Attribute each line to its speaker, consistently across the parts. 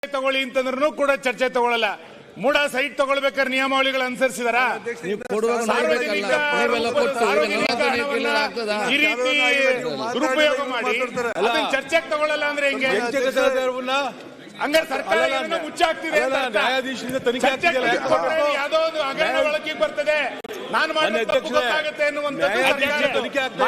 Speaker 1: ತಗೊಳ್ಳಿ ಅಂತಂದ್ರೂ ಕೂಡ ಚರ್ಚೆ ತಗೊಳ್ಳಲ್ಲ. ಮೂಡ ಸೈಟ್ ತಗೊಳ್ಬೇಕಾದ್ರೆ ನಿಯಮಾವಳಿಗಳು ಅನುಸರಿಸಿದಾರ? ಈ ರೀತಿ ದುರುಪಯೋಗ ಮಾಡಿ ಅದನ್ನ ಚರ್ಚೆಗೆ ತಗೊಳ್ಳಲ್ಲ ಅಂದ್ರೆ ಹೆಂಗೆ? ಹಂಗಾರೆ ಸರ್ಕಾರ ಮುಚ್ಚಾಗ್ತಿದೆ. ಯಾವ್ದೋ ಒಂದು ಹಗರಣ ಒಳಗೆ ಬರ್ತದೆ, ನಾನು ಗೊತ್ತಾಗುತ್ತೆ ಅನ್ನುವಂಥದ್ದು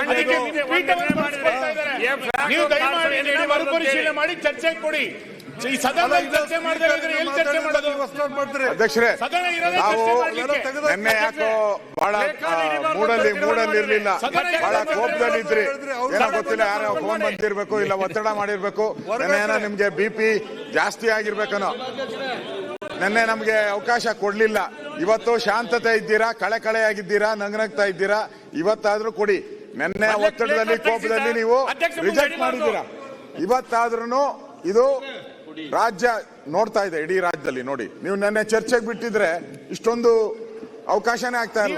Speaker 1: ನೀವು ದಯಮಾಡಿ ಮರುಪರಿಶೀಲನೆ ಮಾಡಿ ಚರ್ಚೆಗೆ ಕೊಡಿ. ಈ ಸದನದಲ್ಲಿ ಚರ್ಚೆ ಮಾಡಿದ್ರೆ ಎಲ್ಲಿ ಚರ್ಚೆ ಮಾಡೋದು?
Speaker 2: ಅಧ್ಯಕ್ಷರೇ, ನಿನ್ನೆ ಯಾಕೋ ಬಹಳ ಮೂಡಲ್ಲಿ ಇರ್ಲಿಲ್ಲ, ಬಹಳ ಕೋಪದಲ್ಲಿ ಇದ್ರಿ. ಏನೋ ಗೊತ್ತಿಲ್ಲ, ಯಾರೋ ಫೋನ್ ಬಂದಿರ್ಬೇಕು, ಇಲ್ಲ ಒತ್ತಡ ಮಾಡಿರ್ಬೇಕು, ಏನೋ ನಿಮ್ಗೆ BP ಜಾಸ್ತಿ ಆಗಿರ್ಬೇಕನೋ. ನಿನ್ನೆ ನಮ್ಗೆ ಅವಕಾಶ ಕೊಡ್ಲಿಲ್ಲ. ಇವತ್ತು ಶಾಂತತೆ ಇದ್ದೀರಾ, ಕಳೆಯಾಗಿದ್ದೀರಾ, ನಗ್ನಗ್ತಾ ಇದ್ದೀರಾ. ಇವತ್ತಾದ್ರೂ ಕೊಡಿ. ನಿನ್ನೆ ಒತ್ತಡದಲ್ಲಿ ಕೋಪದಲ್ಲಿ ನೀವು ರಿಜೆಕ್ಟ್ ಮಾಡಿದ್ದೀರಾ. ಇವತ್ತಾದ್ರೂ ಇದು ರಾಜ್ಯ ನೋಡ್ತಾ ಇದೆ, ಇಡೀ ರಾಜ್ಯದಲ್ಲಿ ನೋಡಿ. ನೀವು ನೆನ್ನೆ ಚರ್ಚೆಗೆ ಬಿಟ್ಟಿದ್ರೆ ಇಷ್ಟೊಂದು ಅವಕಾಶನೇ ಆಗ್ತಾ ಇಲ್ಲ.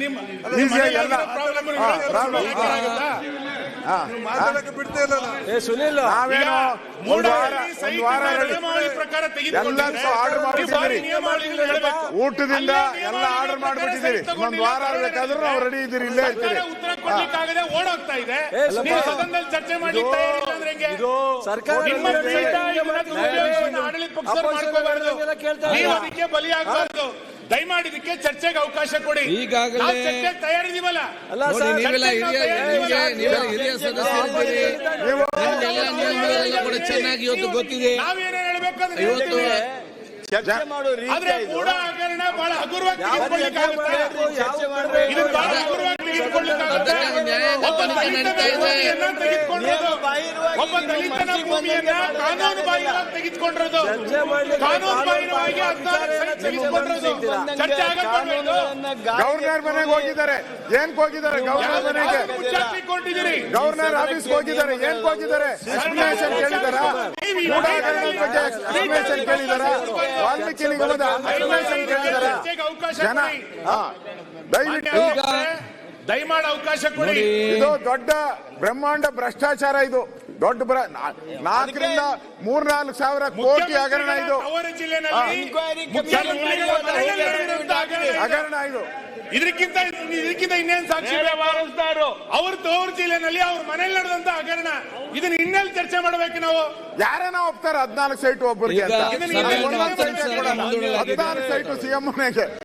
Speaker 2: ಊಟದಿಂದ ಎಲ್ಲ ಆರ್ಡರ್ ಮಾಡ್ಬಿಟ್ಟಿದ್ದೀರಿ. ಒಂದ್ ವಾರ ಬೇಕಾದ್ರೂ ನಾವು ರೆಡಿ ಇದ್ದೀರಿ, ಇಲ್ಲೇ ಇರ್ತೀರಿ.
Speaker 1: ಓಡೋಗ್ತಾ ಇದೆ, ಚರ್ಚೆ ಮಾಡಿ ಆಡಳಿತ ಪಕ್ಷ ಮಾಡ್ಕೋಬಾರ್ದು, ಅದಕ್ಕೆ ಬಲಿಯಾಗಬಾರ್ದು. ದಯಮಾಡಿ ಇದಕ್ಕೆ ಚರ್ಚೆಗೆ ಅವಕಾಶ ಕೊಡಿ. ಈಗಾಗಲೇ ತಯಾರಿದೀವಲ್ಲ,
Speaker 3: ಹಿರಿಯ ಸದಸ್ಯರಿದ್ದೀರಿ, ಚೆನ್ನಾಗಿ ಇವತ್ತು ಗೊತ್ತಿದೆ.
Speaker 1: ನಾವೇನೇನು ಹೇಳ್ಬೇಕಂದ್ರೆ ಇವತ್ತು ಆದ್ರೆ ಕೂಡ ಹಗರಣ ಬಹಳ ಹಗುರವಾಗಿ ತೆಗೆದುಕೊಳ್ಳಿಕ್ಕಾಗುತ್ತೆ. ಒಬ್ಬ ದಲಿತನ ಭೂಮಿಯನ್ನ ಕಾನೂನು ಬಾಹಿರವಾಗಿ ತೆಗೆದುಕೊಂಡಿರೋದು, ಕಾನೂನು ಬಾಹಿರವಾಗಿ ತೆಗೆದುಕೊಂಡಿರೋದು ಚರ್ಚೆ ಆಗಬಾರ್ದು.
Speaker 2: ಗವರ್ನರ್ ಮನೆಗೆ ಹೋಗಿದ್ದಾರೆ, ಏನ್ ಹೋಗಿದ್ದಾರೆ? ಗವರ್ನರ್ ಮನೆಗೆ
Speaker 1: ಮುಚ್ಚಾಕಿಕೊಂಡಿದ್ದೀರಿ.
Speaker 2: ಗವರ್ನರ್ ಆಫೀಸ್ ಹೋಗಿದ್ದಾರೆ, ಏನ್ ಹೋಗಿದ್ದಾರೆ? ಎಕ್ಸ್ಪ್ಲನೇಷನ್ ಕೇಳಿದಾರ? ಎಕ್ಸ್ಪ್ಲನೇಷನ್ ಕೇಳಿದಾರ? ವಾಲ್ಮೀಕಿ ನಿಗಮದ ಎಕ್ಸ್ಪ್ಲನೇಷನ್ ಕೇಳಿದಾರ? ಜನ ದಯವಿಟ್ಟು
Speaker 1: ದಯಮಾಡಿ ಅವಕಾಶ ಕೊಡಿ.
Speaker 2: ಇದು ದೊಡ್ಡ ಬ್ರಹ್ಮಾಂಡ ಭ್ರಷ್ಟಾಚಾರ. ಇದು ದೊಡ್ಡ 4,000 ಸಾವಿರ ಕೋಟಿ ಹಗರಣ. ಇದು ಹಗರಣ. ಇದು
Speaker 1: ಇದಕ್ಕಿಂತ ಇನ್ನೇನು ಸಾಕ್ಷಿ? ಅವ್ರ ತವರು ಜಿಲ್ಲೆನಲ್ಲಿ ಅವ್ರ ಮನೇಲಿ ನಡೆದಂತ ಹಗರಣ. ಇದನ್ನ ಇನ್ನೆಲ್ಲಿ ಚರ್ಚೆ ಮಾಡ್ಬೇಕು ನಾವು?
Speaker 2: ಯಾರನ್ನ ಒಪ್ತಾರೆ 14 ಸೈಟ್ ಒಬ್ಬರಿಗೆ ಅಂತ? 14 ಸೈಟು CM ಮನೆಗೆ